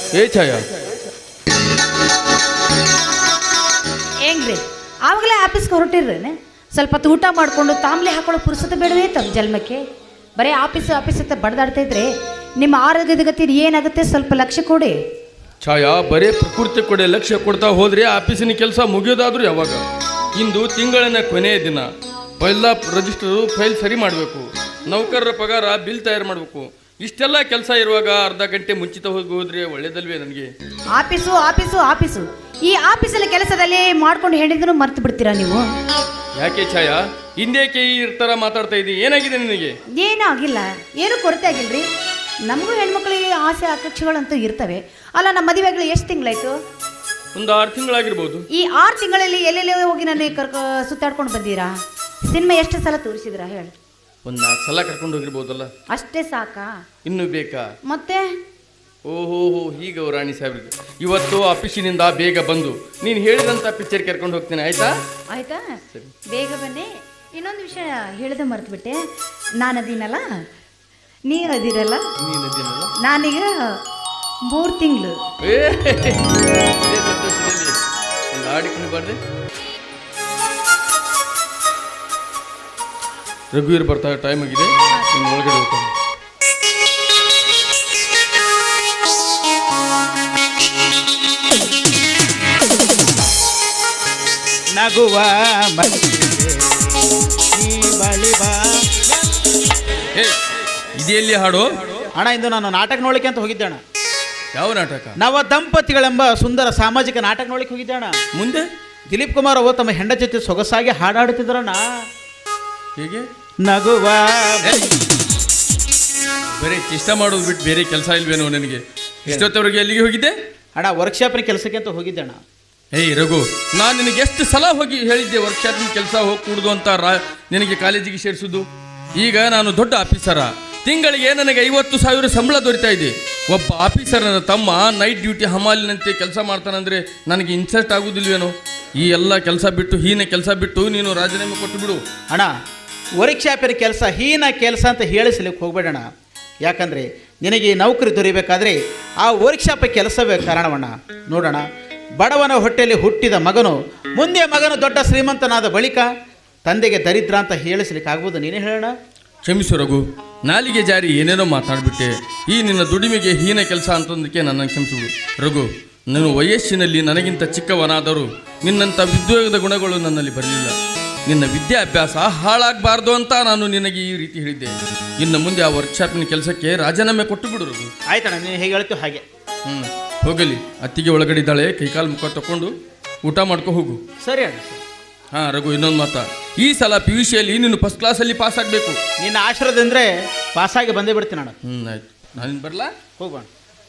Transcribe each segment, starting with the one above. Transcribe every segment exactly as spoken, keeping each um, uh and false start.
ಏ ಛಾಯಾ ಹೆಂಗ್ರಿ ಆವಾಗಲೇ ಆಫೀಸ್ಗೆ ಹೊರಟಿರ್ರೇನೆ ಸ್ವಲ್ಪ ಹೊತ್ತು ಊಟ ಮಾಡಿಕೊಂಡು ತಾಂಬ್ಲಿ ಹಾಕೊಳ್ಳೋ ಪುರುಸತೆ ಬೇಡವೇ ತಮ್ಮ ಜನ್ಮಕ್ಕೆ ಬರೀ ಆಫೀಸ್ ಆಫೀಸ್ ಅಂತ ಬಡ್ದಾಡ್ತಾ ಇದ್ರೆ ನಿಮ್ಮ ಆರೋಗ್ಯದ ಗತಿ ಏನಾಗುತ್ತೆ ಸ್ವಲ್ಪ ಲಕ್ಷ್ಯ ಕೊಡಿ. ಛಾಯಾ ಬರೀ ಪ್ರಕೃತಿ ಕೊಡೆ ಲಕ್ಷ್ಯ ಕೊಡ್ತಾ ಹೋದ್ರೆ ಆಫೀಸಿನ ಕೆಲಸ ಮುಗಿಯೋದಾದ್ರೂ ಯಾವಾಗ? ಇಂದು ತಿಂಗಳಿನ ಕೊನೆಯ ದಿನ ಎಲ್ಲ ರಿಜಿಸ್ಟರು ಫೈಲ್ ಸರಿ ಮಾಡಬೇಕು, ನೌಕರರ ಪಗಾರ ಬಿಲ್ ತಯಾರು ಮಾಡಬೇಕು. ಇಷ್ಟೆಲ್ಲ ಕೆಲಸ ಇರುವಾಗ ಅರ್ಧ ಗಂಟೆ ಮುಂಚಿತ ಹೋಗಿ ಹೋದ್ರೆ ಒಳ್ಳೇದಲ್ವೇ ನನಗೆ? ಆಫೀಸು ಆಫೀಸು ಆಫೀಸು ಈ ಆಫೀಸಲ್ಲಿ ಕೆಲಸದಲ್ಲಿ ಮಾಡ್ಕೊಂಡು ಹೇಳಿದ್ರು ಮರ್ತು ಬಿಡ್ತೀರಾ ನೀವು? ಯಾಕೆ ಛಾಯಾ ಹಿಂದೇಕೆ ಈ ಥರ ಮಾತಾಡ್ತಾ ಇದ್ದೀನಿ? ಏನಾಗಿದೆ ನಿನಗೆ? ಏನೂ ಆಗಿಲ್ಲ, ಏನೂ ಕೊರತೆ ಆಗಿಲ್ರಿ. ನಮಗೂ ಹೆಣ್ಮಕ್ಳಿಗೆ ಆಸೆ ಆಕಾಂಕ್ಷೆಗಳಂತೂ ಇರ್ತವೆ ಅಲ್ಲ. ನಮ್ಮ ಮದುವೆಗಳು ಎಷ್ಟು ತಿಂಗಳಾಯ್ತು? ಒಂದು ಆರು ತಿಂಗಳಾಗಿರ್ಬೋದು. ಈ ಆರು ತಿಂಗಳಲ್ಲಿ ಎಲ್ಲೆಲ್ಲಿ ಹೋಗಿ ನನಗೆ ಕರ್ಕೊ ಸುತ್ತಾಡ್ಕೊಂಡು ಬಂದೀರಾ? ಸಿನಿಮಾ ಎಷ್ಟು ಸಲ ತೋರಿಸಿದ್ರಾ ಹೇಳಿ? ಒಂದು ನಾಲ್ಕು ಸಲ ಕರ್ಕೊಂಡು ಹೋಗಿರ್ಬೋದಲ್ಲ. ಅಷ್ಟೇ ಸಾಕಾ? ಇನ್ನೂ ಬೇಕಾ? ಮತ್ತೆ ಓಹೋ ಹೋ ಹೀಗ ರಾಣಿ ಸಾಹೇಬ್ರಿಗೆ ಇವತ್ತು ಆಫೀಸಿನಿಂದ ಬೇಗ ಬಂದು ನೀನು ಹೇಳಿದಂಥ ಪಿಕ್ಚರ್ ಕರ್ಕೊಂಡು ಹೋಗ್ತೀನಿ, ಆಯ್ತಾ? ಆಯ್ತಾ, ಬೇಗ ಬನ್ನಿ. ಇನ್ನೊಂದು ವಿಷಯ ಹೇಳಿದೆ ಮರ್ತು ಬಿಟ್ಟೆ. ನಾನು ಅದೀನಲ್ಲ, ನೀವು ಅದಿರಲ್ಲ, ನಾನೀಗ ಮೂರು ತಿಂಗಳು. ಸಂತೋಷದಲ್ಲಿ ಒಂದು ಆಡಿಕೊಂಡು ಬರ್ದೆ. ರಘುವೀರ್ ಬರ್ತಾ ಟೈಮ್ ಆಗಿದೆ, ಇನ್ನು ಒಳಗಡೆ ಹೋಗ್ತಾನೆ. ನಗುವ ಇದೆಯಲ್ಲಿ ಹಾಡು ಅಣ್ಣ, ಇಂದು ನಾನು ನಾಟಕ ನೋಡ್ಲಿಕ್ಕೆ ಅಂತ ಹೋಗಿದ್ದೆ ಅಣ್ಣ. ಯಾವ ನಾಟಕ? ನವ ದಂಪತಿಗಳೆಂಬ ಸುಂದರ ಸಾಮಾಜಿಕ ನಾಟಕ ನೋಡ್ಲಿಕ್ಕೆ ಹೋಗಿದ್ದೆ ಅಣ್ಣ. ಮುಂದೆ ದಿಲೀಪ್ ಕುಮಾರ್ ಅವರು ತಮ್ಮ ಹೆಂಡ ಜೊತೆ ಸೊಗಸಾಗಿ ಹಾಡಾಡುತ್ತಿದ್ರಣ್ಣ. ಹೇಗೆ? ನಗುವ ಬರೀ ಇಷ್ಟ ಮಾಡೋದು ಬಿಟ್ಟು ಬೇರೆ ಕೆಲಸ ಇಲ್ವೇನೋ ನನಗೆ? ಇಷ್ಟೊತ್ತವರೆಗೆ ಎಲ್ಲಿಗೆ ಹೋಗಿದ್ದೆ ಅಣ್ಣ? ವರ್ಕ್ಶಾಪಿನ ಕೆಲಸಕ್ಕೆ ಅಂತ ಹೋಗಿದ್ದೆ ಅಣ್ಣ. ಏಯ್ ರಘು, ನಾನು ನಿನಗೆ ಎಷ್ಟು ಸಲ ಹೋಗಿ ಹೇಳಿದ್ದೆ ವರ್ಕ್ಶಾಪಿನ ಕೆಲಸ ಹೋಗಿ ಕೂಡುದು ಅಂತ ರಾ ನಿನಗೆ ಕಾಲೇಜಿಗೆ ಸೇರಿಸುದು. ಈಗ ನಾನು ದೊಡ್ಡ ಆಫೀಸರ, ತಿಂಗಳಿಗೆ ನನಗೆ ಐವತ್ತು ಸಾವಿರ ಸಂಬಳ ದೊರೀತಾ ಇದೆ. ಒಬ್ಬ ಆಫೀಸರನ ತಮ್ಮ ನೈಟ್ ಡ್ಯೂಟಿ ಹಮಾಲಿನಂತೆ ಕೆಲಸ ಮಾಡ್ತಾನಂದ್ರೆ ನನಗೆ ಇನ್ಸಲ್ಟ್ ಆಗುದಿಲ್ವೇನೋ? ಈ ಎಲ್ಲ ಕೆಲಸ ಬಿಟ್ಟು ಹೀನ ಕೆಲಸ ಬಿಟ್ಟು ನೀನು ರಾಜೀನಾಮೆ ಕೊಟ್ಟು ಬಿಡು. ಅಣ್ಣ, ವರ್ಕ್ಶಾಪಿನ ಕೆಲಸ ಹೀನ ಕೆಲಸ ಅಂತ ಹೇಳಿಸ್ಲಿಕ್ಕೆ ಹೋಗ್ಬೇಡಣ. ಯಾಕಂದರೆ ನಿನಗೆ ನೌಕರಿ ದೊರೀಬೇಕಾದ್ರೆ ಆ ವರ್ಕ್ಶಾಪ್ ಕೆಲಸವೇ ಕಾರಣವಣ್ಣ. ನೋಡೋಣ, ಬಡವನ ಹೊಟ್ಟೆಯಲ್ಲಿ ಹುಟ್ಟಿದ ಮಗನು ಮುಂದೆ ಮಗನು ದೊಡ್ಡ ಶ್ರೀಮಂತನಾದ ಬಳಿಕ ತಂದೆಗೆ ದರಿದ್ರ ಅಂತ ಹೇಳಿಸ್ಲಿಕ್ಕೆ ಆಗ್ಬೋದು? ನೀನೇ ಹೇಳೋಣ. ಕ್ಷಮಿಸು ರಘು, ನಾಲಿಗೆ ಜಾರಿ ಏನೇನೋ ಮಾತಾಡ್ಬಿಟ್ಟೆ. ಈ ನಿನ್ನ ದುಡಿಮೆಗೆ ಹೀನ ಕೆಲಸ ಅಂತಂದಕ್ಕೆ ನನ್ನ ಕ್ಷಮಿಸುವುದು. ರಘು, ನಾನು ವಯಸ್ಸಿನಲ್ಲಿ ನನಗಿಂತ ಚಿಕ್ಕವನಾದರೂ ನಿನ್ನಂಥ ವಿದ್ಯೋಗದ ಗುಣಗಳು ನನ್ನಲ್ಲಿ ಬರಲಿಲ್ಲ. ನಿನ್ನ ವಿದ್ಯಾಭ್ಯಾಸ ಹಾಳಾಗಬಾರ್ದು ಅಂತ ನಾನು ನಿನಗೆ ಈ ರೀತಿ ಹೇಳಿದ್ದೆ. ಇನ್ನು ಮುಂದೆ ಆ ವರ್ಕ್ಶಾಪಿನ ಕೆಲಸಕ್ಕೆ ರಾಜೀನಾಮೆ ಕೊಟ್ಟು ಬಿಡು ರಘು. ಆಯ್ತಣ್ಣ, ನೀನು ಹೇಗೆ ಹೇಳ್ತೀವಿ ಹಾಗೆ. ಹ್ಞೂ ಹೋಗಲಿ. ಅತ್ತಿಗೆ ಒಳಗಡೆ ಇದ್ದಾಳೆ, ಕೈಕಾಲು ಮುಖ ತಗೊಂಡು ಊಟ ಮಾಡ್ಕೊ ಹೋಗು. ಸರಿ ಅಣ್ಣ. ಹಾಂ ರಘು, ಇನ್ನೊಂದು ಮಾತಾ, ಈ ಸಲ ಪಿ ಯು ಸಿಯಲ್ಲಿ ನೀನು ಫಸ್ಟ್ ಕ್ಲಾಸಲ್ಲಿ ಪಾಸ್ ಆಗಬೇಕು. ನಿನ್ನ ಆಶೀರ್ವಾದ ಅಂದರೆ ಪಾಸಾಗಿ ಬಂದೇ ಬಿಡ್ತೀನಿ ಅಣ್ಣ. ಹ್ಞೂ ಆಯ್ತು, ನಾನು ಬರಲಾ? ಹೋಗೋಣ.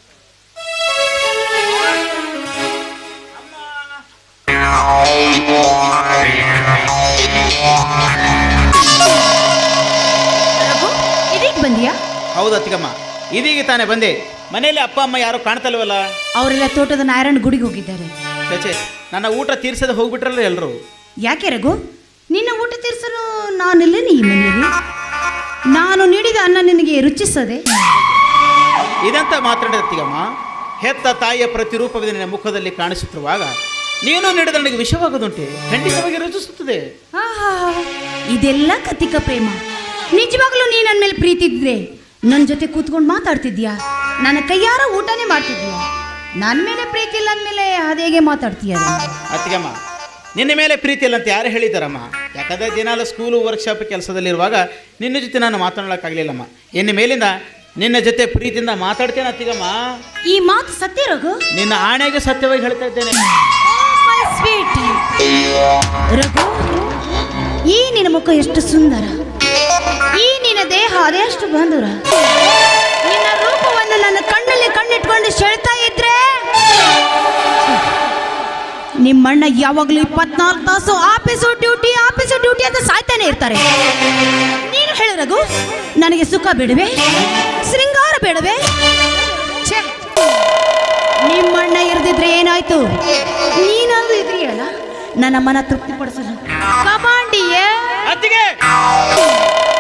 ಇದೀಗ ಬಂದಿಯಾ? ಹೌದು ಅತ್ತಿಗಮ್ಮ, ಇದೀಗ ತಾನೇ ಬಂದೆ. ಮನೆಯಲ್ಲಿ ಅಪ್ಪ ಅಮ್ಮ ಯಾರು ಕಾಣ್ತಲ್ವಲ್ಲ? ಅವರೆಲ್ಲ ತೋಟದ ನಾರಾಯಣ ಗುಡಿಗೆ ಹೋಗಿದ್ದಾರೆ. ಚಚೆ, ನನ್ನ ಊಟ ತೀರ್ಸದೆ ಹೋಗ್ಬಿಟ್ರಲ್ಲ ಎಲ್ಲರೂ. ಯಾಕೆ ರಘು, ನಿನ್ನ ಊಟ ತೀರಿಸಲು ನಾನಿಲ್ಲೇನೆ ಈ ಮನೆಯಲ್ಲಿ? ನಾನು ನೀಡಿದ ಅನ್ನ ನಿನಗೆ ರುಚಿಸದೆ? ಇದಂತ ಮಾತಾಡಿದ ಅತ್ತಿಗಮ್ಮ, ಹೆತ್ತ ತಾಯಿಯ ಪ್ರತಿರೂಪವಿದೆ ನಿನ್ನ ಮುಖದಲ್ಲಿ ಕಾಣಿಸುತ್ತಿರುವಾಗ ನೀನು ನೀಡಿದ ನನಗೆ ವಿಷವಾಗೋದುಂಟೆ? ಖಂಡಿತವಾಗಿ ರುಚಿಸುತ್ತದೆ. ಆಹಾ, ಇದೆಲ್ಲ ಕತಿಕ ಪ್ರೇಮ. ನಿಜವಾಗ್ಲೂ ನೀ ನನ್ನ ಮೇಲೆ ಪ್ರೀತಿ ಇದ್ರೆ ನನ್ನ ಜೊತೆ ಕೂತ್ಕೊಂಡು ಮಾತಾಡ್ತಿದ್ಯಾ? ನನ್ನ ಕೈಯಾರ ಊಟನೇ ಮಾಡ್ತಿದ್ಯಾ? ನನ್ನ ಮೇಲೆ ಪ್ರೀತಿ ಇಲ್ಲ ಅಂದಮೇಲೆ ಅದೇಗೆ ಮಾತಾಡ್ತೀಯ? ಅತ್ತಿಗಮ್ಮ, ನಿನ್ನ ಮೇಲೆ ಪ್ರೀತಿ ಇಲ್ಲ ಅಂತ ಯಾರು ಹೇಳಿದಾರಮ್ಮ? ಯಾಕಂದರೆ ದಿನಾಲು ಸ್ಕೂಲು ವರ್ಕ್ಶಾಪ್ ಕೆಲಸದಲ್ಲಿರುವಾಗ ನಿನ್ನ ಜೊತೆ ನಾನು ಮಾತನಾಡೋಕ್ಕಾಗಲಿಲ್ಲಮ್ಮ. ಇನ್ನು ಮೇಲಿಂದ ನಿನ್ನ ಜೊತೆ ಪ್ರೀತಿಯಿಂದ ಮಾತಾಡ್ತೇನೆ ಅತ್ತಿಗಮ್ಮ. ಈ ಮಾತು ಸತ್ಯ ರಘು? ನಿನ್ನ ಆಣೆಗೆ ಸತ್ಯವಾಗಿ ಹೇಳ್ತಾ ಇದ್ದೇನೆ. ಸ್ವೀಟ್ ರಘು, ಈ ನಿನ್ನ ಮುಖ ಎಷ್ಟು ಸುಂದರ, ಈ ನಿನ್ನ ದೇಹ ಅದೆಷ್ಟು ಬಂಧುರ. ನಿನ್ನ ರೂಪವನ್ನು ನನ್ನ ಕಣ್ಣಲ್ಲಿ ಕಣ್ಣಿಟ್ಕೊಂಡು ಸೆಳ್ತಾ ಇದ್ರೆ ನಿಮ್ಮಣ್ಣ ಯಾವಾಗಲೂ ಇಪ್ಪತ್ನಾಲ್ಕು ತಾಸು ಆಫೀಸು ಡ್ಯೂಟಿ ಆಫೀಸು ಡ್ಯೂಟಿ ಅಂತ ಸಾಯ್ತಾನೆ ಇರ್ತಾರೆ. ನೀನು ಹೇಳು ರಘು, ನನಗೆ ಸುಖ ಬೇಡವೆ, ಶೃಂಗಾರ ಬೇಡವೆ? ನಿಮ್ಮಣ್ಣ ಇರದಿದ್ರೆ ಏನಾಯ್ತು? ನೀನಾದ್ರೂ ಇದ್ರಿಯಲ್ಲ ನನ್ನ ಮನ ತೃಪ್ತಿಪಡಿಸಲು. ಕಮಾಂಡಿಯೇ ಅತ್ತಿಗೆ,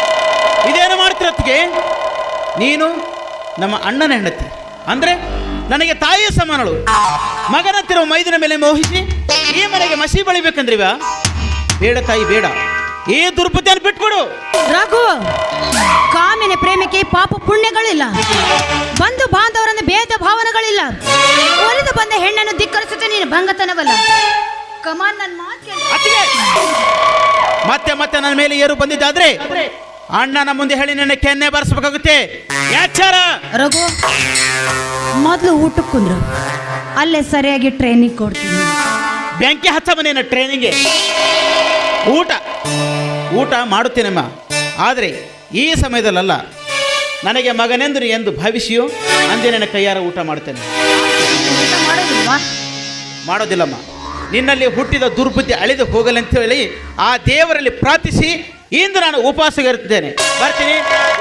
ಇದೇನು ಮಾಡ್ತೀರ ಅತ್ತಿಗೆ? ನೀನು ನಮ್ಮ ಅಣ್ಣನ ಹೆಂಡತಿ ಅಂದರೆ ನನಗೆ ತಾಯಿಯ ಸಮಾನಳು. ಮಗನಂತಿರುವ ಮೈದಿನ ಮೇಲೆ ಮೋಹಿಸಿ ಈ ಮನೆಗೆ ಮಸಿ ಬಳಿಬೇಕಂದ್ರಿವ? ಬೇಡ ತಾಯಿ ಬೇಡ, ಈ ದುರ್ಬುದ್ಧಿಯನ್ನು ಬಿಟ್ಬಿಡು. ರಘು, ಕಾಮಿನ ಪ್ರೇಮಿಕೆ ಪಾಪ ಪುಣ್ಯಗಳಿಲ್ಲ, ಬಂಧು ಬಾಂಧವರನ್ನು ಭೇದ ಭಾವನೆಗಳಿಲ್ಲ. ಒಲಿದು ಬಂದ ಹೆಣ್ಣನ್ನು ಧಿಕ್ಕರಿಸುತ್ತೆ ನೀನು ಭಂಗತನವಲ್ಲ. ಕಮಾನ್, ನನ್ನ ಮಾತು ಕೇಳು. ಅತ್ತಿಗೆ, ಮತ್ತೆ ಮತ್ತೆ ನನ್ನ ಮೇಲೆ ಏರು ಬಂದಿದ್ದಾದ್ರೆ ಅಣ್ಣನ ಮುಂದೆ ಹೇಳಿ ನನ್ನ ಕೆನ್ನೆ ಬಾರಿಸಬೇಕಾಗುತ್ತೆ. ಯಾಚಾರ ರಘು, ಮೊದಲು ಊಟಕ್ಕೆ ಕುಂದ್ರು, ಅಲ್ಲೇ ಸರಿಯಾಗಿ ಟ್ರೈನಿಂಗ್ ಕೊಡ್ತೀನಿ. ಬೆಂಕಿ ಹಚ್ಚ ಮನೇನ ಟ್ರೈನಿಂಗ್ಗೆ. ಊಟ ಊಟ ಮಾಡುತ್ತೇನಮ್ಮ, ಆದರೆ ಈ ಸಮಯದಲ್ಲ. ನನಗೆ ಮಗನೆಂದು ಎಂದು ಭಾವಿಸಿಯೋ ಅಂದೇ ನನ್ನ ಕೈಯಾರ ಊಟ ಮಾಡ್ತೇನೆ. ಊಟ ಮಾಡೋದಿಲ್ವಾ? ಮಾಡೋದಿಲ್ಲಮ್ಮ. ನಿನ್ನಲ್ಲಿ ಹುಟ್ಟಿದ ದುರ್ಬುದ್ಧಿ ಅಳಿದು ಹೋಗಲಿ ಅಂತ ಹೇಳಿ ಆ ದೇವರಲ್ಲಿ ಪ್ರಾರ್ಥಿಸಿ ಇಂದು ನಾನು ಉಪವಾಸವಿರುತ್ತೇನೆ. ಬರ್ತೀನಿ.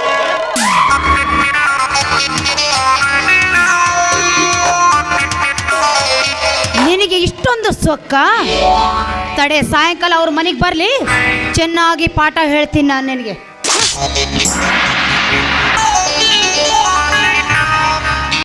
ನಿನಗೆ ಇಷ್ಟೊಂದು ಸೊಕ್ಕ? ತಡೆ, ಸಾಯಂಕಾಲ ಅವ್ರ ಮನೆಗೆ ಬರಲಿ, ಚೆನ್ನಾಗಿ ಪಾಠ ಹೇಳ್ತೀನಿ ನಾನು ನಿನಗೆ.